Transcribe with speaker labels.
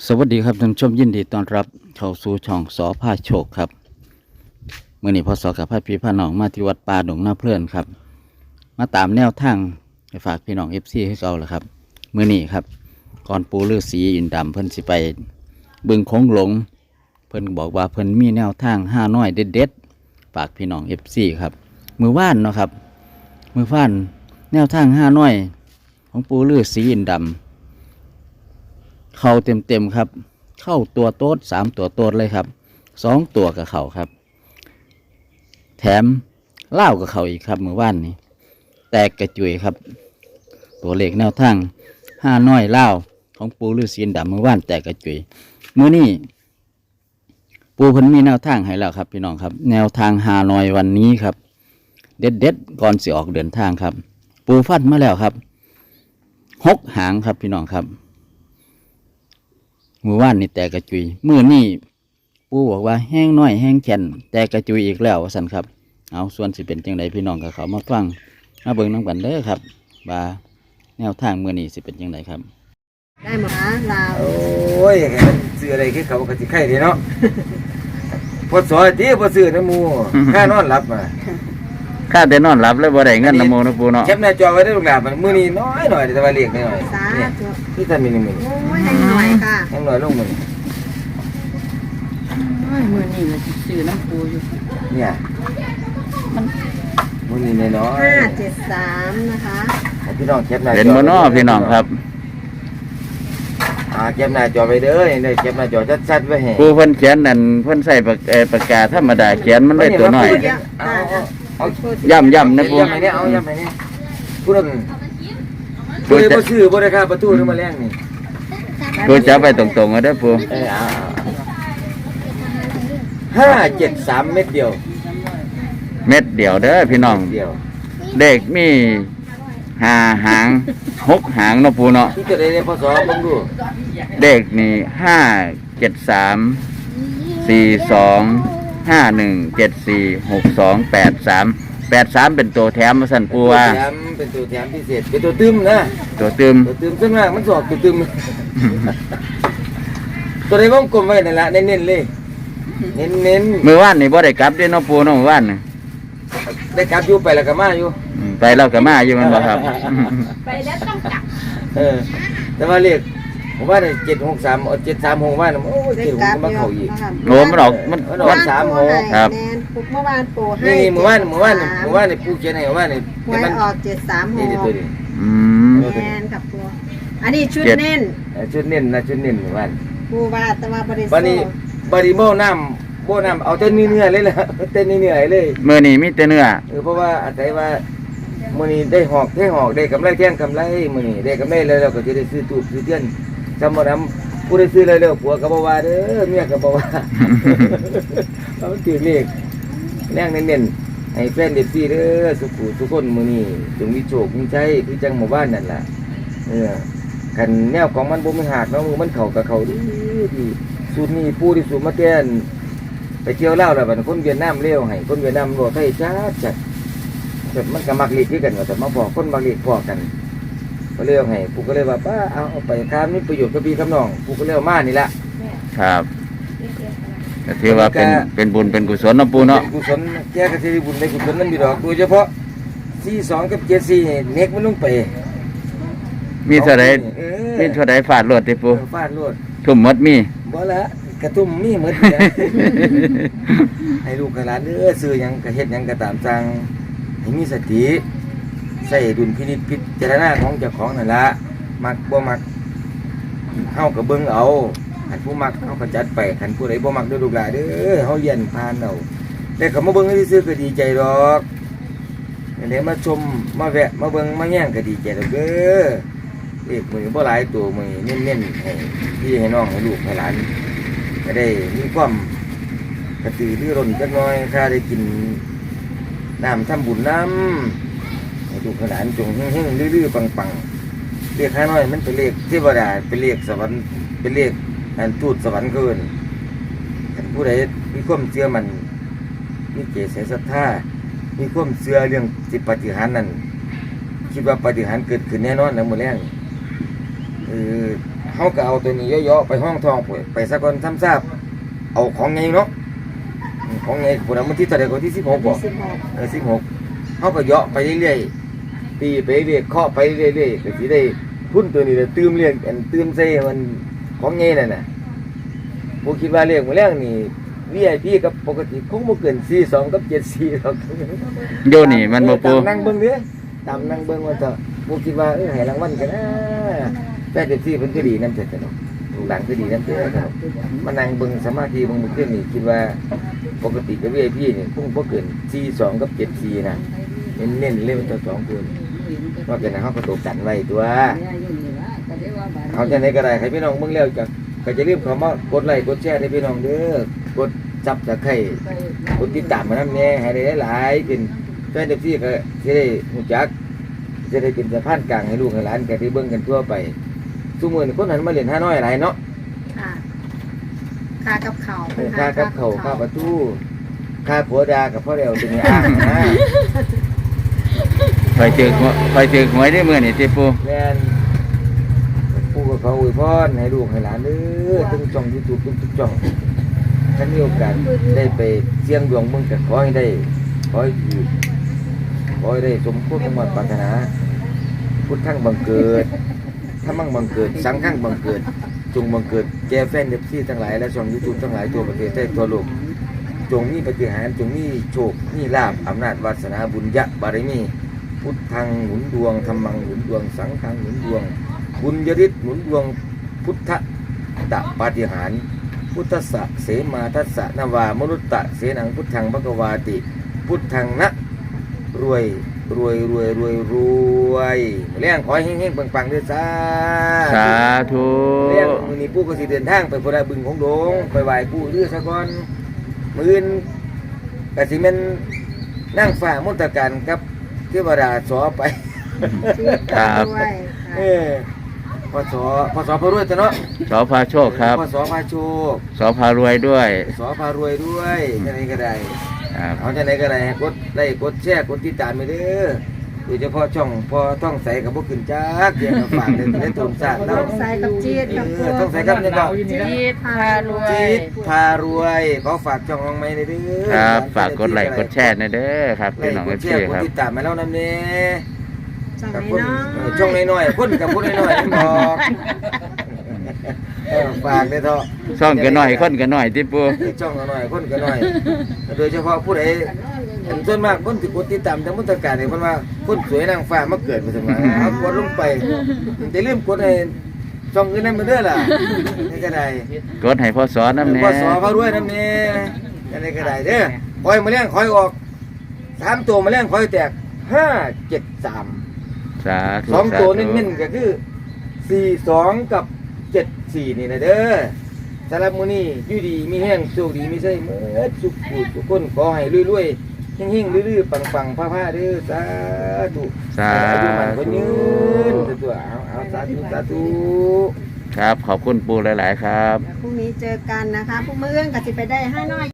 Speaker 1: สวัสดีครับท่านผู้ชมยินดีต้อนรับเข้าสู่ช่องสอพาโชคครับเมื่อนี้พศกับพระพี่พระน้องมาที่วัดป่าดงนาเพลินครับมาตามแนวทางไปฝากพี่น้องFCให้เก่าแล้วครับเมื่อนี้ครับก่อนปูฤาษีอินดำเพิ่นสิไปบึงโขงหลงเพิ่นบอกว่าเพิ่นมีแนวทาง5น้อยเด็ดๆฝากพี่น้อง FCครับมือว่านเนาะครับมือว่านแนวทาง5น้อยของปูฤาษีอินดำเข้าเต็มครับเข้าตัวโต๊ด3ตัวโต๊ดเลยครับ2ตัวกับเข่าครับแถมเล่ากับเข่าอีกครับเมื่อวานนี้แตกกระจุยครับตัวเลขแนวทาง5น้อยเล่าของปูฤาษีดำเมื่อวานแตกกระจุยมื้อนี้ปูเพิ่นมีแนวทางให้แล้วครับพี่น้องครับแนวทาง5น้อยวันนี้ครับเด็ดก่อนสิออกเดินทางครับปูฟัดมาแล้วครับ6หางครับพี่น้องครับมือว่านนี่แต่กระจุยมือนี่ปูบอกว่าแห้งน้อยแห้งแข็งแต่กระจุยอีกแล้วสันครับเอาส่วนสิเป็นจังไดพี่น้องกับเขามาฟังมาเบิ่งน้ำกันเด้อครับว่าแนวทางมือนี่สิเป็นจังไดครับ
Speaker 2: ได้หมดนะลาว
Speaker 3: โอ้ยมันซื้ออะไรคือเขาก็สิไข่ดีเนาะพอสอยที่พอซื้อน้ำมูค่านอนหลับมา
Speaker 1: ข้าได้นอนหลับแล้วบ่ได้เงินน้ำโมนะปูเนาะ
Speaker 3: แคปหน้าจอไว้ได้ลูกหลานมันมื้อนี้น้อยหน่อยแต่ว่าเรียกน้อย
Speaker 2: สา
Speaker 3: เนี่ย
Speaker 2: ธุ
Speaker 3: ที่ท่านมี1มื้อ
Speaker 2: โอ้ยให้หน่อยค่ะ
Speaker 3: ยังน้อยลงมื้อ
Speaker 4: มือนี่มันซื้อน้ำปูอยู่
Speaker 3: เนี่ยมื้อนี้น้อย
Speaker 2: 573นะคะ
Speaker 3: ให้พี่น้องแคปหน้าจอ
Speaker 1: เห็นบ่เนาะพี่น้องครับ
Speaker 3: แคปหน้าจอไว้เด้อได้แคปหน้าจอชัดๆไว้ให้
Speaker 1: ปูเพิ่นเขียนนั่นเพิ่นใส่ปากกาธรรมดาเขียนมันได้ตัวน้อย
Speaker 3: เอา
Speaker 1: ย่ำนะปู
Speaker 3: ย้ำให้เนี่ยเอาย้ำให้เนี่ยพูดถึงบ่ได้บ่ซื้อบ่ได้ค่าประตูนึงมาแรงนี่
Speaker 1: ปูจับไปตรงๆเอาเด้อปู
Speaker 3: 573 เม็ดเดียว
Speaker 1: เม็ดเดียวเด้อพี่น้อง
Speaker 3: เดียว
Speaker 1: เด็กมี5หาง6หางเนาะปูเนาะ
Speaker 3: ที่จะได้ในพศผมดู
Speaker 1: เด็กนี่573 4251746283เป็นตัวแถมมาสั่นปูว่า
Speaker 3: เป็นตัวแถมพิเศษเป็นตัวตึมนะ
Speaker 1: ตัวตึม
Speaker 3: ตัวตึมซึ่งมากมันสอบตัวตึม ตัวในวงกลมไว้นั่นละเน้นๆเลยเน้น
Speaker 1: มือว่านนี่บ่ได้กลับเด้เนาะปูเนาะมือว่านนี่
Speaker 3: ๆได้กลับอยู่ไปแล้วก็มาอยู่
Speaker 1: ไปเราก็มาอยู่มันบ่ครับ
Speaker 4: ไปแล้วต้องกลับ
Speaker 3: แต่ว่าเรียกผมว่าเนี่ย763เอา736ว่าโอ้ย
Speaker 2: ได้
Speaker 3: เจ็ด
Speaker 2: กลับ
Speaker 3: มา
Speaker 2: เย
Speaker 3: เข้าอีก
Speaker 1: โอ้มันออกมัน
Speaker 3: มันออก36
Speaker 1: ครับ
Speaker 2: แนนปลุกเมื่อวานปู่ให้
Speaker 3: นี่เมื่อวานนี่ปู่เขียนให้เมื่อวานนี่
Speaker 2: หวยออก
Speaker 3: นี่ตัว
Speaker 2: 736
Speaker 3: นี้
Speaker 1: อืม
Speaker 2: แนนกับปู่อันนี้ชุดเน้น
Speaker 3: ชุดเน้นนะชุดเน้นเมื่อวาน
Speaker 2: ปู่ว่าแต่ว่าบริสุท
Speaker 3: บัดนี้
Speaker 2: ธิ์
Speaker 3: บริโภคน้ำเอาเต้นเนื้อเลยล่ะเต้นเนื้อเลย
Speaker 1: มื้อนี้มีแต่เนื้อ
Speaker 3: เพราะว่าอาศัยว่ามื้อนี้ได้หอกได้กำไรเที่ยงกำไรมื้อนี้ได้กำไรแล้วเราก็จะได้ซื้อตู้ซื้อเทียนจำบ่นำผู้ได้ซื้อเลยผัวก็บ่ว่าเด้อเมียก็บ่ว่าเอาถือเลขแรงเน้นๆให้แฟนเด็กซี่เด้อสุขคนมื้อนี้จงมีโชคมีชัยคือจังหมู่บ้านนั่นล่ะคันแนวของมันบ่มีหักเนาะมือมันเข้ากับเขาดีสูตรนี้ผู้ที่สูตรมาแต้นไปเที่ยวเล่าแล้วบัดคนเวียดนามเลี้ยวให้คนเวียดนามโลไทยจัดแบบมันก็มักเลีกคือกันว่าแต่มาบอกคนมักเลีกพอกันก็เลี้ยวให้ปู่ก็เลยว่าป้าเอาไปค้ามีประโยชน์กับพี่กับน้องปู่ก็เลี้ยวมานี่ละ
Speaker 1: ครับก็ถือว่าเป็นบุญเป็นกุศลเนาะปูเนาะ
Speaker 3: ป็กุศลแก้กระสิบุญในกุศลนั้นมีดอกโดยเฉพาะ42กับ74เน็กมันลงไป
Speaker 1: มีเท่าใดมีเท่าใดฟาดรวดติปู
Speaker 3: ฟาดรวด
Speaker 1: ทุ่มหมดมี
Speaker 3: บ่ละกระตุ้มมีหมดเลย ให้ลูกให้หลานซื้อหยังก็เฮ็ดหยังก็ตามสั่งให้มีสติใส่ดุลพินิจพิจารณาของเจ้าของนั่นละมักบ่มักเฮาก็เบิ่งเอาคันผู้มักเฮาก็จัดไปคันผู้ใดบ่มักเด้อลูกหลานเด้อเฮาเรียนผ่านเอาแต่เขามาเบิ่งซื่อๆก็ดีใจดอกอันนี้มาชมมาแวะมาเบิ่งมาแย่งก็ดีใจดอกเด้อเอกมือบ่หลายตัวมือเน้นๆให้พี่ให้น้องให้ลูกให้หลานก็ได้มีความกระตือรือร้นจักหน่อยถ้าได้กินน้ำทำบุญน้ำให้ลูกให้หลานจงเฮงๆลื้อๆปังๆเรียกข้าน้อยมันเป็นเลขเทวดาเป็นเลขสวรรค์เป็นเลขอันทูตสวรรค์เกินผู้ใดมีความเชื่อมันมีเจตศรัทธามีความเชื่อเรื่องจิตปฏิหารย์นั้นคิดว่าปฏิหารย์เกิดขึ้นแน่นอนนะมื้อแรกเขาก็เอาตัวนี้ย่อๆไปห้องทองไปสักคนทำทราบเอาของไงเนาะของไงคนนั้นมันที่เท่าไหร่คนที่16บ่ 16เขาก็ย่อไปเรื่อยๆตีไปเรื่อยเคาะไปเรื่อยๆก็สิได้พุ่นตัวนี้เลยตื้มเรียกอันตื้มใส่มันของไงนั่นน่ะผมคิดว่าเรียกมื้อแรกนี่ VIP กับปกติคงบ่เกิน42กับ74หรอก
Speaker 1: โยนี่มันบ่ปู
Speaker 3: ตามนั่งเบิ่งเด้อตามนั่งเบิ่งว่าเถอะบ่คิดว่าให้รางวัลกันนะแต่เด็กที่เพิ่นก็ดีนำเถิดเนาะลูกหลานก็ดีนำเถิดเนาะมานั่งเบิ่งสมาธิเบิ่งมื้อคืนนี่คิดว่าปกติกับ VIP นี่คงบ่เกิน42กับ74นะเน้นๆเลยมันตัว2คนนอกจากนั้นเฮาก็ตกกันไว้ตัวเอาจังได๋ก็ได้ให้พี่น้องเบิ่งแล้วก็จะรีบเข้ามากดไลค์กดแชร์ให้พี่น้องเด้อกดซับตะไคร้กดติดตามมานำแน่ให้ได้หลายๆเป็นแฟน FC ก็สิได้รู้จักจะได้เป็นสะพานกลางให้ลูกให้หลานก็ได้เบิ่งกันทั่วไปซุมื้อนี้คนหันมาเล่น5น้อยหลายเนาะ
Speaker 2: ค่ะค่ากับเขาว
Speaker 3: ค่ากับเขาค่าประตูค่าผัวดากับพ่อเดียวตัวนี้อ่างนะ
Speaker 1: คอยถือหวยได้มื้อนี่ติปู
Speaker 3: แม่นผู้กับเขาอวยพรให้ลูกให้หลานเด้อทั้งช่อง YouTube ทุกช่องถ้ามีโอกาสได้ไปเสี่ยงดวงเบิ่งก็ขอให้ได้ขอให้ถูกขอให้ได้สมความมุ่งมั่นปรารถนาพุทธังบังเกิดถ้ามั่งบังเกิดสังฆังบังเกิดจงบังเกิดแก่แฟน FC ทั้งหลายและช่อง YouTube ทั้งหลายทั่วประเทศทั่วโลกจงมีปาฏิหาริย์จงมีโชคมีลาภอำนาจวาสนาบุญญะบารมีพุทธังหนุนดวงธัมมังหนุนดวงสังฆังหนุนดวงบุญยฤทธิ์หนุนดวงพุทธตะปาฏิหาริย์พุทธสะเสมาทัสสะนวามนุตตะเสนังพุทธังภควาติพุทธังนะรวยแรงขอให้เฮงๆปังๆด้วยจ้า
Speaker 1: สาธุ
Speaker 3: เรื่องมื้อนี้ปู่ก็สิเดินทางไปพุ่นน่ะบึงของโดงไปไหว้ปู่ฤาซะก่อนมื้ออื่นก็สิแม่นนางฟ้ามนตการกับเทวดาสอไป
Speaker 2: ด้วย
Speaker 3: เออพศพารวยจ้ะเนาะ
Speaker 1: สอพาโชคครับ
Speaker 3: พศพาโชค
Speaker 1: สอพารวยด้วย
Speaker 3: สพารวยด้วยจังไดก็ได้
Speaker 1: ครับ
Speaker 3: เอาจังไดก็ได้ให้กดไลค์กดแชร์กดติดตามไปเด้อโดยเฉพาะช่องพอต้องใส่กับบ่ขึ้นจักเดี๋ยวฝากได้ตนสร้างเนาะ
Speaker 2: ใส่กับจีดกับ
Speaker 3: ต้องใส่กับเนี่ยเนาะ
Speaker 4: จีดพารวย
Speaker 3: จิตพารวยขอฝากช่องน้องไม้ในเด้อ
Speaker 1: ครับฝากกดไลค์กดแชร์นะเด้อครับ
Speaker 3: ไล
Speaker 1: พี่
Speaker 3: ค์
Speaker 1: น้อง
Speaker 3: ก
Speaker 1: เอ
Speaker 3: ด
Speaker 1: ฟ
Speaker 3: แช
Speaker 1: ซี
Speaker 3: ร์กด
Speaker 1: ครับ
Speaker 3: ติดตามมาแล้วนำเน่
Speaker 2: ช่อง
Speaker 3: กับ
Speaker 2: นี้
Speaker 3: คน
Speaker 2: เนาะ
Speaker 3: ช่องน้อยๆคนกับคนน้อยๆบอกฝากได้อเถอะ
Speaker 1: ช่องกันหน่อยคนกันหน่อยที่ปู
Speaker 3: ช่องน้อยๆคนก็น้อยโดยเฉพาะผู้ใดส่วนมากคนที่กดติดตามทางมุตการเนี่ยเพิ่นว่าคนสวยนางฟ้ามาเกิดมาซั่นว่าเอากดลงไปแต่ลืมกดให้ช่องอื่นนำมาเด้อล่ะนี่ก็ได้
Speaker 1: กดให้พ่อสอนน้ำแน่
Speaker 3: พอสอพารวยนำแน่อันนี้ก็ได้เด้อคอยมาเลี้ยงคอยออก3ตัวมาเลี้ยงคอยแตก573
Speaker 1: สาธุ
Speaker 3: 2ตัวเน้นๆก็คือ42กับ74นี่นะเด้อสำหรับมื้อนี้อยู่ดีมีแห้งโชคดีมีใส่หมดทุกคนขอให้รวยๆเฮงๆลื่ๆปังๆผ้าๆเด้อสาธุ
Speaker 1: สา
Speaker 3: อายุมันคน
Speaker 1: ธุ
Speaker 3: ยืนตัวเอาสาธุ
Speaker 1: ครับขอบคุณปูหลาย ๆ ครับ
Speaker 2: พรุ่งนี้เจอกันนะคะพรุ่งมื้อก็สิไปได้5น้อย